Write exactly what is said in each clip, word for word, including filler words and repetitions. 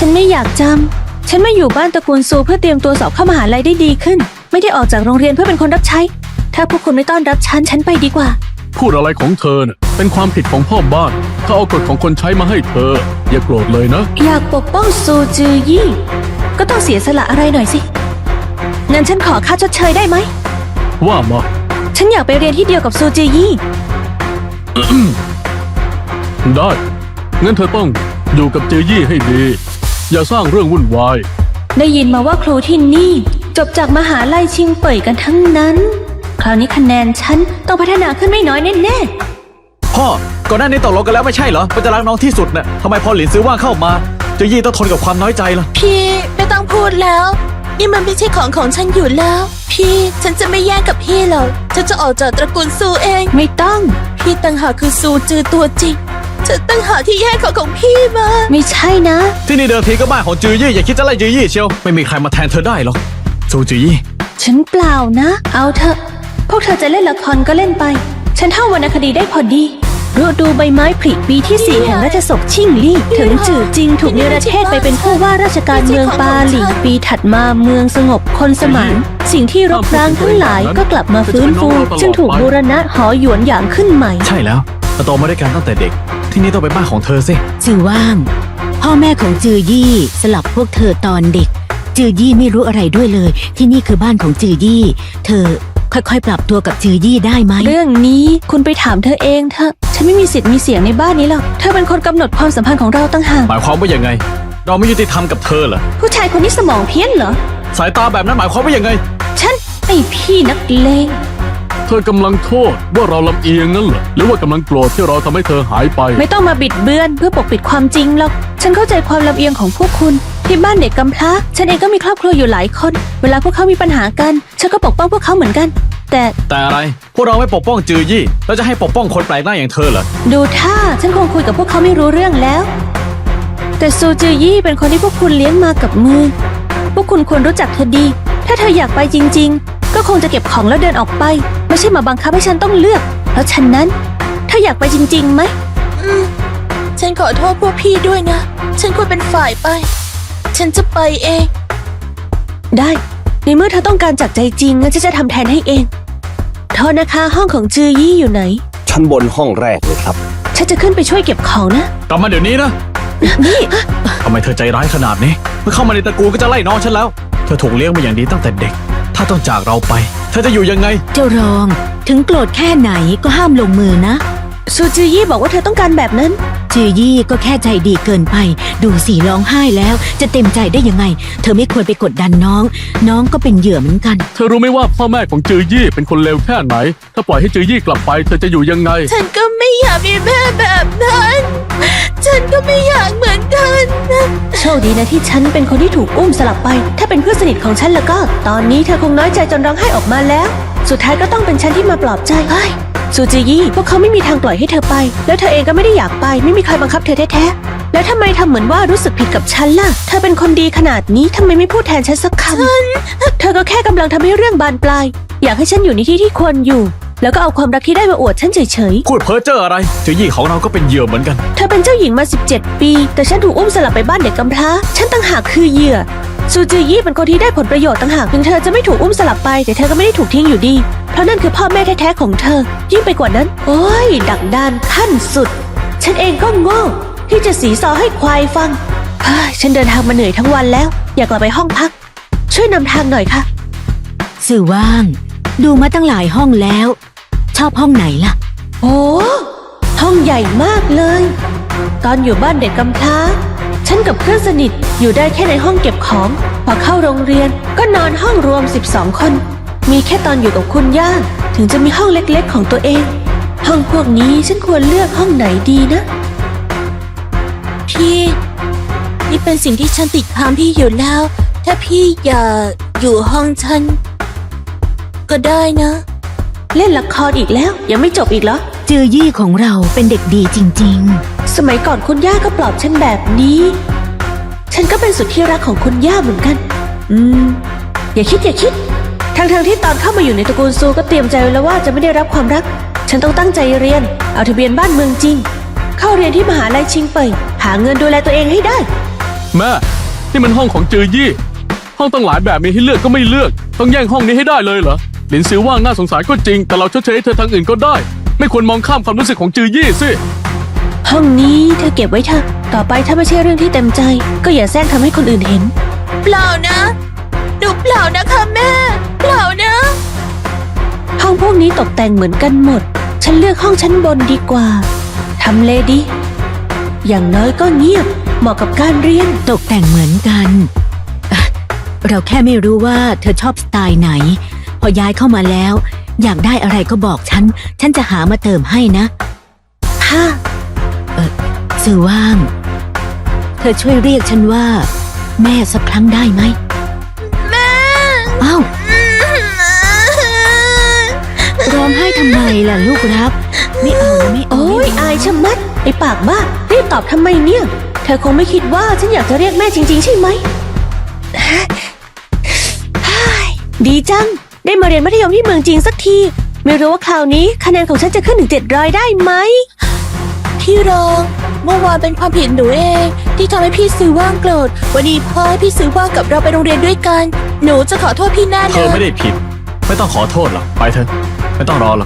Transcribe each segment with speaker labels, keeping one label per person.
Speaker 1: ฉันไม่อยากจำฉันมาอยู่บ้านตระกูลซูเพื่อเตรียมตัวสอบเข้ามหาลัยได้ดีขึ้นไม่ได้ออกจากโรงเรียนเพื่อเป็นคนรับใช้ถ้าพวกคุณไม่ต้อนรับฉันฉันไปดีกว่า
Speaker 2: พูดอะไรของเธอเนี่ยเป็นความผิดของพ่อบ้านถ้าเอากฎของคนใช้มาให้เธออย่าโกรธเลยนะ
Speaker 1: อยากปกป้องซูจือยี่ก็ต้องเสียสละอะไรหน่อยสิงั้นฉันขอค่าชดเชยได้ไหม
Speaker 2: ว่ามา
Speaker 1: ฉันอยากไปเรียนที่เดียวกับซูจือยี่
Speaker 2: ได้งั้นเธอต้องอยู่กับจือยี่ให้ดีอย่าสร้างเรื่องวุ่นวาย
Speaker 1: ได้ยินมาว่าครูที่นี่จบจากมหาลัยชิงเป่ยกันทั้งนั้นคราวนี้คะแนนฉันต้องพัฒนาขึ้นไม่น้อยแน่
Speaker 3: ๆพ่อก่อนหน้านี้ตกลงกันแล้วไม่ใช่เหรอว่าจะรักน้องที่สุดน่ะทำไมพอหลินซื้อว่างเข้ามาจือยี่ต้องทนกับความน้อยใจล่ะ
Speaker 4: พี่ไม่ต้องพูดแล้วนี่มันไม่ใช่ของของฉันอยู่แล้วพี่ฉันจะไม่แย่งกับพี่หรอกฉันจะออกจากตระกูลซูเอง
Speaker 1: ไม่ต้อง
Speaker 4: พี่ต่างหากคือซูจือตัวจริงฉันต่างหากที่แย่งของของพี่มา
Speaker 1: ไม่ใช่นะ
Speaker 3: ที่นี่เดิมทีก็บ้านของจือยี่อย่าคิดจะไล่จือยี่เชียวไม่มีใครมาแทนเธอได้หรอกซูจือยี่
Speaker 1: ฉันเปล่านะเอาเถอะพวกเธอจะเล่นละครก็เล่นไปฉันเท่าวรรณคดีได้พอดีฤดูใบไม้ผลิปีที่สี่แห่งราชสกชิ่งลี่ถึงจื่อจริงถูกเนรเทศไปเป็นผู้ว่าราชการเมืองปาหลี่ปีถัดมาเมืองสงบคนสมานสิ่งที่รบร้างทั้งหลายก็กลับมาฟื้นฟูจึงถูกบูรณะหอหยวนหยางขึ้นใหม่
Speaker 3: ใช่แล้วโตมาด้วยกันตั้งแต่เด็กที่นี่ต้องเป็นบ้านของเธอสิ
Speaker 5: จือว่างพ่อแม่ของจือยี่สลับพวกเธอตอนเด็กจือยี่ไม่รู้อะไรด้วยเลยที่นี่คือบ้านของจือยี่เธอค่อยๆปรับตัวกับจือยี่ได้ไหม
Speaker 1: เรื่องนี้คุณไปถามเธอเองเถอะฉันไม่มีสิทธิ์มีเสียงในบ้านนี้หรอกเธอเป็นคนกำหนดความสัมพันธ์ของเราตั้งหาก
Speaker 3: หมายความว่ายังไงเราไม่ยุติธรรมกับเธอเหรอ
Speaker 1: ผู้ชายคนนี้สมองเพี้ยนเหรอ
Speaker 3: สายตาแบบนั้นหมายความว่ายังไง
Speaker 1: ฉันไอพี่นักเลง
Speaker 2: เธอกำลังโทษว่าเราลำเอียงนั่นเหรอหรือว่ากำลังโกรธที่เราทำให้เธอหายไป
Speaker 1: ไม่ต้องมาบิดเบือนเพื่อปกปิดความจริงหรอกฉันเข้าใจความลำเอียงของพวกคุณที่บ้านเด็กกำพร้าฉันเองก็มีครอบครัวอยู่หลายคนเวลาพวกเขามีปัญหากันฉันก็ปกป้องพวกเขาเหมือนกันแต่
Speaker 3: แต่อะไรพวกเราไม่ปกป้องจือยี่แล้วจะให้ปกป้องคนแปลกหน้าอย่างเธอเหรอ
Speaker 1: ดูท่าฉันคงคุยกับพวกเขาไม่รู้เรื่องแล้วแต่ซูจือยี่เป็นคนที่พวกคุณเลี้ยงมากับมือพวกคุณควรรู้จักเธอดีถ้าเธออยากไปจริงๆก็คงจะเก็บของแล้วเดินออกไปไม่ใช่มาบังคับให้ฉันต้องเลือกเพราะฉะนั้นเธออยากไปจริงๆไหม
Speaker 4: อืมฉันขอโทษพวกพี่ด้วยนะฉันควรเป็นฝ่ายไปฉันจะไปเอง
Speaker 1: ได้ในเมื่อเธอต้องการจากใจจริงงั้นฉันจะทำแทนให้เองโทษนะคะห้องของจือยี่อยู่ไหน
Speaker 6: ชั้นบนห้องแรกเลยครับ
Speaker 1: ฉันจะขึ้นไปช่วยเก็บของนะ
Speaker 3: กลับมาเดี๋ยวนี้นะ
Speaker 1: นี่
Speaker 3: ทำไมเธอใจร้ายขนาดนี้เมื่อเข้ามาในตระกูลก็จะไล่น้องฉันแล้วเธอถูกเลี้ยงมาอย่างดีตั้งแต่เด็กถ้าต้องจากเราไปเธอจะอยู่ยังไง
Speaker 5: เจ้ารองถึงโกรธแค่ไหนก็ห้ามลงมือนะ
Speaker 1: ซูจือยี่บอกว่าเธอต้องการแบบนั้น
Speaker 5: จือยี่ก็แค่ใจดีเกินไปดูสิร้องไห้แล้วจะเต็มใจได้ยังไงเธอไม่ควรไปกดดันน้องน้องก็เป็นเหยื่อเหมือนกัน
Speaker 2: เธอรู้ไหมว่าพ่อแม่ของจือยี่เป็นคนเลวแค่ไหนถ้าปล่อยให้จือยี่กลับไปเธอจะอยู่ยังไง
Speaker 4: ฉันก็ไม่อยากมีแม่แบบนั้นฉันก็ไม่อยากเหมือนกัน
Speaker 1: โชคดีนะที่ฉันเป็นคนที่ถูกอุ้มสลับไปถ้าเป็นเพื่อนสนิทของฉันแล้วก็ตอนนี้เธอคงน้อยใจจนร้องไห้ออกมาแล้วสุดท้ายก็ต้องเป็นฉันที่มาปลอบใจซูจือยี่พวกเขาไม่มีทางปล่อยให้เธอไปแล้วเธอเองก็ไม่ได้อยากไปไม่มีใครบังคับเธอแท้ๆแล้วทำไมทำเหมือนว่ารู้สึกผิดกับฉันล่ะเธอเป็นคนดีขนาดนี้ทำไมไม่พูดแทนฉันสักคำเธอก็แค่กำลังทำให้เรื่องบานปลายอยากให้ฉันอยู่ในที่ที่ควรอยู่แล้วก็เอาความรักที่ได้มาอวดฉันเฉย
Speaker 3: ๆพูดเพ้อเจ้ออะไรจือยี่ของเราก็เป็นเหยื่อเหมือนกัน
Speaker 1: เธอเป็นเจ้าหญิงมาสิบเจ็ดปีแต่ฉันถูกอุ้มสลับไปบ้านเด็กกำพร้าฉันต่างหากคือเหยื่อซูจือยี่เป็นคนที่ได้ผลประโยชน์ต่างหากถึงเธอจะไม่ถูกอุ้มสลับไปแต่เธอก็ไม่ได้ถูกทิ้งอยู่ดีเพราะนั่นคือพ่อแม่แท้ๆของเธอยิ่งไปกว่านั้นโอ้ยดักดานขั้นสุดฉันเองก็โง่ที่จะสีซอให้ควายฟังฉันเดินทางมาเหนื่อยทั้งวันแล้วอยากกลับไปห้องพักช่วยนำทางหน่อยค่ะ
Speaker 5: สื่อว่างดูมาตั้งหลายห้องแล้วชอบห้องไหนล่ะ
Speaker 1: โอ้ห้องใหญ่มากเลยตอนอยู่บ้านเด็กกำพร้าฉันกับเพื่อนสนิทอยู่ได้แค่ในห้องเก็บของพอเข้าโรงเรียนก็นอนห้องรวมสิบสองคนมีแค่ตอนอยู่กับคุณย่าถึงจะมีห้องเล็กๆของตัวเองห้องพวกนี้ฉันควรเลือกห้องไหนดีนะ
Speaker 4: พี่นี่เป็นสิ่งที่ฉันติดตามพี่อยู่แล้วถ้าพี่อยากอยู่ห้องฉันก็ได้นะ
Speaker 1: เล่นละครอีกแล้วยังไม่จบอีกเหรอ
Speaker 5: จือยี่ของเราเป็นเด็กดีจริง
Speaker 1: ๆสมัยก่อนคุณย่าก็ปลอบฉันแบบนี้ฉันก็เป็นสุดที่รักของคุณย่าเหมือนกันอืมอย่าคิดอย่าคิดทั้งๆที่ตอนเข้ามาอยู่ในตระกูลซูก็เตรียมใจไว้แล้วว่าจะไม่ได้รับความรักฉันต้องตั้งใจเรียนเอาทะเบียนบ้านเมืองจริงเข้าเรียนที่มหาลัยชิงเป่ยหาเงินดูแลตัวเองให้ได้
Speaker 2: แม่ นี่มันห้องของจือยี่ ห้องตั้งหลายแบบมีให้เลือกก็ไม่เลือก ต้องแย่งห้องนี้ให้ได้เลยเหรอ หลินซือว่างน่าสงสารก็จริง แต่เราชดเชยให้เธอทางอื่นก็ได้ ไม่ควรมองข้ามความรู้สึกของจือยี่สิ
Speaker 1: ห้องนี้เธอเก็บไว้เถอะ ต่อไปถ้าไม่ใช่เรื่องที่เต็มใจ ก็อย่าแซงทำให้คนอื่นเห็น
Speaker 4: เปล่านะหนูเปล่านะคะแม่ เปล่านะ
Speaker 1: ห้องพวกนี้ตกแต่งเหมือนกันหมด ฉันเลือกห้องชั้นบนดีกว่า ทำเลดี อย่างน้อยก็เงียบ เหมาะกับการเรียน
Speaker 5: ตกแต่งเหมือนกันอ่ะเราแค่ไม่รู้ว่าเธอชอบสไตล์ไหน พอย้ายเข้ามาแล้ว อยากได้อะไรก็บอกฉัน ฉันจะหามาเติมให้นะ
Speaker 1: ค่ะ
Speaker 5: สื่อว่าง เธอช่วยเรียกฉันว่า แม่สักครั้งได้ไหม
Speaker 4: แม่
Speaker 5: อ้าวร้องไห้ทำไมล่ะลูกรัก ไม่เอานะไม่เอา
Speaker 1: โอ้ย
Speaker 5: ไม่เ
Speaker 1: อายชะมัด ไอปากบ้า รีบตอบทำไมเนี่ย เธอคงไม่คิดว่าฉันอยากจะเรียกแม่จริงๆใช่ไหม ดีจัง ได้มาเรียนมัธยมที่เมืองจีนสักที ไม่รู้ว่าคราวนี้คะแนนของฉันจะขึ้นถึงเจ็ดร้อยได้ไหม
Speaker 4: พี่รองเมื่อวานเป็นความผิดหนูเอง ที่ทำให้พี่ซื้อว่างโกรธวันนี้พ่อให้พี่ซื้อว่างกับเราไปโรงเรียนด้วยกัน หนูจะขอโทษพี่แน่
Speaker 3: เธ
Speaker 4: เล
Speaker 3: อย ไม่ได้ผิด ไม่ต้องขอโทษหรอก ไปเถอะ ไม่ต้องรอหรอก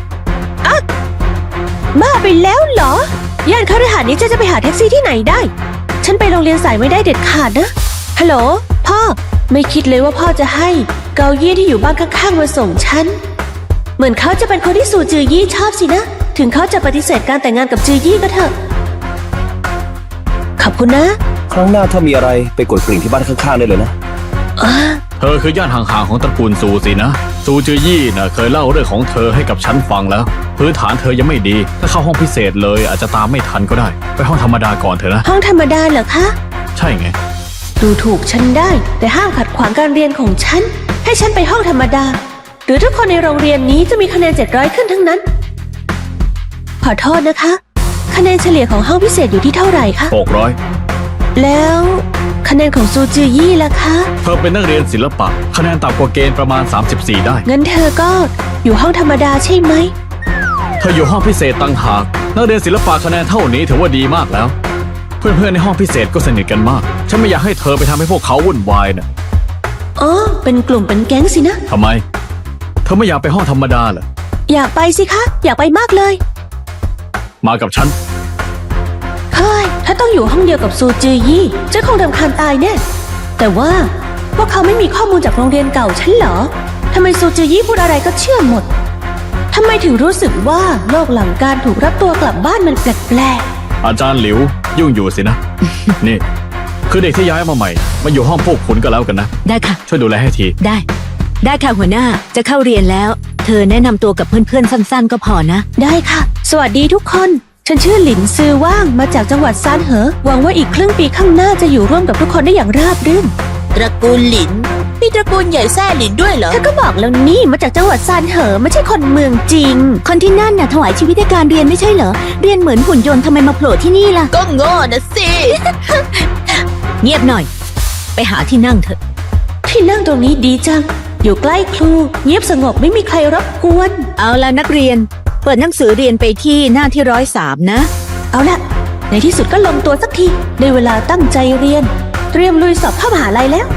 Speaker 1: บ้าไปแล้วเหรอย่านคฤหาสน์นี้จะจะไปหาแท็กซี่ที่ไหนได้ ฉันไปโรงเรียนสายไม่ได้เด็ดขาดนะ ฮัลโหล พ่อ ไม่คิดเลยว่าพ่อจะให้เกาเยี่ที่อยู่บ้านข้างๆมาส่งฉัน เหมือนเขาจะเป็นคนที่สู่จือยี่ชอบสินะ ถึงเขาจะปฏิเสธการแต่งงานกับจือยี่ก็เถอะ ขอบคุณนะ
Speaker 6: ครั้งหน้าถ้ามีอะไรไปกดกริ่งที่บ้านข้างๆได้เลยนะ
Speaker 1: อ่า
Speaker 3: เธอคือญาติห่างๆของตระกูลซูสินะ ซูจือยี่น่ะเคยเล่าเรื่องของเธอให้กับฉันฟังแล้ว พื้นฐานเธอยังไม่ดี ถ้าเข้าห้องพิเศษเลยอาจจะตามไม่ทันก็ได้ ไปห้องธรรมดาก่อนเถอะนะ
Speaker 1: ห้องธรรมดาเหรอคะ
Speaker 3: ใช่ไง
Speaker 1: ดูถูกฉันได้ แต่ห้ามขัดขวางการเรียนของฉัน ให้ฉันไปห้องธรรมดา หรือทุกคนในโรงเรียนนี้จะมีคะแนนเจ็ดร้อยขึ้นทั้งนั้น ขอโทษนะคะ คะแนนเฉลี่ยของห้องพิเศษอยู่ที่เท่าไหร่คะ
Speaker 3: หกร้อย
Speaker 1: แล้วคะแนนของซูจือยี่ล่ะคะ
Speaker 3: เธอเป็นนักเรียนศิลปะ คะแนนต่ำกว่าเกณฑ์ประมาณ สามสิบสี่ ได้
Speaker 1: งั้นเธอก็อยู่ห้องธรรมดาใช่ไหม
Speaker 3: เธออยู่ห้องพิเศษต่างหาก นักเรียนศิลปะคะแนนเท่านี้ถือว่าดีมากแล้ว เพื่อนๆในห้องพิเศษก็สนิทกันมาก ฉันไม่อยากให้เธอไปทำให้พวกเขาวุ่นวายนะ
Speaker 1: อ๋อ เป็นกลุ่มเป็นแก๊งสินะ
Speaker 3: ทำไม เธอไม่อยากไปห้องธรรมดาเหรอ
Speaker 1: อยากไปสิคะ อยากไปมากเลย
Speaker 3: มากับฉัน
Speaker 1: เฮ้ย ถ้าต้องอยู่ห้องเดียวกับซูจือยี่จะคงรำคาญตายแน่ แต่ว่าพวกเขาไม่มีข้อมูลจากโรงเรียนเก่าฉันเหรอ ทำไมซูจือยี่พูดอะไรก็เชื่อหมด ทำไมถึงรู้สึกว่าโลกหลังการถูกรับตัวกลับบ้านมันแปลก
Speaker 3: อาจารย์หลิว ยุ่งอยู่สินะ นี่ คือเด็กที่ย้ายมาใหม่ มาอยู่ห้องพวกคุณก็แล้วกันนะ
Speaker 5: ได้ค่ะ
Speaker 3: ช่วยดูแลให้ที
Speaker 5: ได้ ได้ค่ะหัวหน้า จะเข้าเรียนแล้ว เธอแนะนำตัวกับเพื่อนๆสั้นๆ ก็พอนะ
Speaker 1: ๆ ได้ค่ะ สวัสดีทุกคน ฉันชื่อหลินซือว่างมาจากจังหวัดซานเหอ หวังว่าอีกครึ่งปีข้างหน้าจะอยู่ร่วมกับทุกคนได้อย่างราบรื่น
Speaker 4: ตระกูลหลินมีตระกูลใหญ่แซ่หลินด้วยเหรอ
Speaker 1: เธอก็บอกแล้วนี่มาจากจังหวัดซานเหอไม่ใช่คนเมืองจริง
Speaker 5: คนที่นั่นน่ะถวายชีวิตให้การเรียนไม่ใช่เหรอ เรียนเหมือนหุ่นยนต์ทำไมมาโผล่ที่นี่ล่ะ
Speaker 4: ก็โง่นะสิ
Speaker 5: เงียบหน่อย ไปหาที่นั่งเถอะ
Speaker 1: ที่นั่งตรงนี้ดีจัง อยู่ใกล้ครู เงียบสงบไม่มีใครรบกวน
Speaker 5: เอาละนักเรียน เปิดหนังสือเรียนไปที่หน้าที่ร้อยสามนะ
Speaker 1: เอาละในที่สุดก็ลงตัวสักทีได้เวลาตั้งใจเรียน เตรียมลุยสอบเข้ามหาลัยแล้ว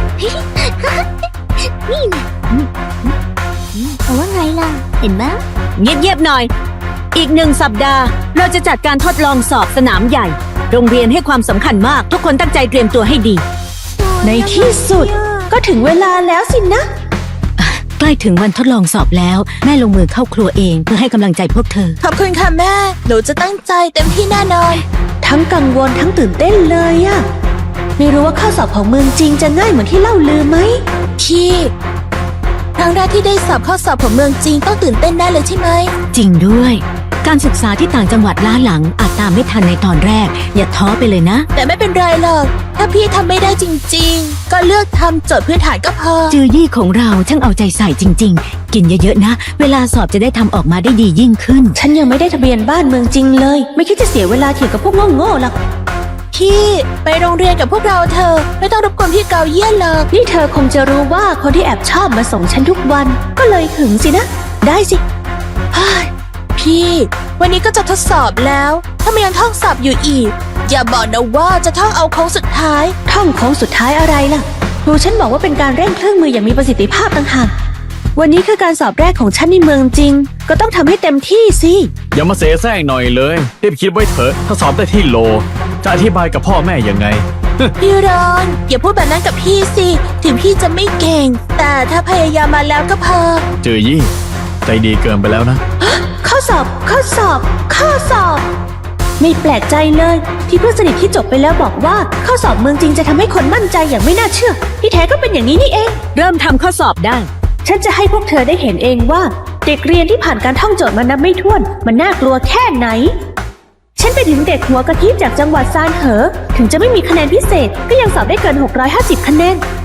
Speaker 4: เอาว่าไงล่ะ เห็นไหม
Speaker 5: เงียบๆหน่อย อีกหนึ่งสัปดาห์ เราจะจัดการทดลองสอบสนามใหญ่ โรงเรียนให้ความสำคัญมาก ทุกคนตั้งใจเตรียมตัวให้ดี
Speaker 1: ในที่สุดก็ถึงเวลาแล้วสินะ
Speaker 5: ใกล้ถึงวันทดลองสอบแล้ว แม่ลงมือเข้าครัวเองเพื่อให้กำลังใจพวกเธอ
Speaker 4: ขอบคุณค่ะแม่ หนูจะตั้งใจเต็มที่แน่นอน
Speaker 1: ทั้งกังวลทั้งตื่นเต้นเลยอะไม่รู้ว่าข้อสอบของเมืองจริงจะง่ายเหมือนที่เล่าลือไหม
Speaker 4: พี่ครั้งแรกที่ได้สอบข้อสอบของเมืองจีนต้องตื่นเต้นแน่เลยใช่ไหม
Speaker 5: จริงด้วย การศึกษาที่ต่างจังหวัดล้าหลังอาจตามไม่ทันในตอนแรก อย่าท้อไปเลยนะ
Speaker 4: แต่ไม่เป็นไรหรอก ถ้าพี่ทำไม่ได้จริงๆ ก็เลือกทำโจทย์พื้นฐานก็พอ
Speaker 5: จือยี่ของเราช่างเอาใจใส่จริง ๆ กินเยอะๆนะ เวลาสอบจะได้ทำออกมาได้ดียิ่งขึ้น
Speaker 1: ฉันยังไม่ได้ทะเบียนบ้านเมืองจริงเลย ไม่คิดจะเสียเวลาเถียงกับพวกโง่ๆหรอก
Speaker 4: พี่ไปโรงเรียนกับพวกเราเธอะไม่ต้องรบกวนพี่เกาเยี่ยนหรอก
Speaker 1: นี่เธอคงจะรู้ว่าคนที่แอบชอบมาส่งฉันทุกวัน ก็เลยหึงสินะ ได้สิเฮ้ย
Speaker 4: พี่ วันนี้ก็จะทดสอบแล้ว ถ้าไม่ยังท่องสอบอยู่อีกอย่าบอกนะว่าจะท่องเอาโค้งสุดท้าย
Speaker 1: ท่องโค้งสุดท้ายอะไรล่ะครูฉันบอกว่าเป็นการเร่งเครื่องมืออย่างมีประสิทธิภาพต่างหากวันนี้คือการสอบแรกของฉันในเมืองจริง ก็ต้องทำให้เต็มที่สิ
Speaker 3: อย่ามาเสแสร้งหน่อยเลยรีบคิดไว้เถอะถ้าสอบได้ที่โล จะอธิบายกับพ่อแม่ยังไง
Speaker 4: พี่รอนอย่าพูดแบบนั้นกับพี่สิ ถึงพี่จะไม่เก่ง แต่ถ้าพยายามมาแล้วก็พอ
Speaker 3: จือยี่ใจดีเกินไปแล้วนะ
Speaker 1: ข้อสอบ ข้อสอบ ข้อสอบ ไม่แปลกใจเลย ที่เพื่อนสนิทที่จบไปแล้วบอกว่า ข้อสอบเมืองจริงจะทำให้คนมั่นใจอย่างไม่น่าเชื่อ ที่แท้ก็เป็นอย่างนี้นี่เอง
Speaker 5: เริ่มทำข้อสอบได้
Speaker 1: ฉันจะให้พวกเธอได้เห็นเองว่า เด็กเรียนที่ผ่านการท่องโจทย์มานับไม่ถ้วน มันน่ากลัวแค่ไหน ฉันไปถึงเด็กหัวกะทิจากจังหวัดซานเหอ ถึงจะไม่มีคะแนนพิเศษ ก็ยังสอบได้เกินหกร้อยห้าสิบคะแนน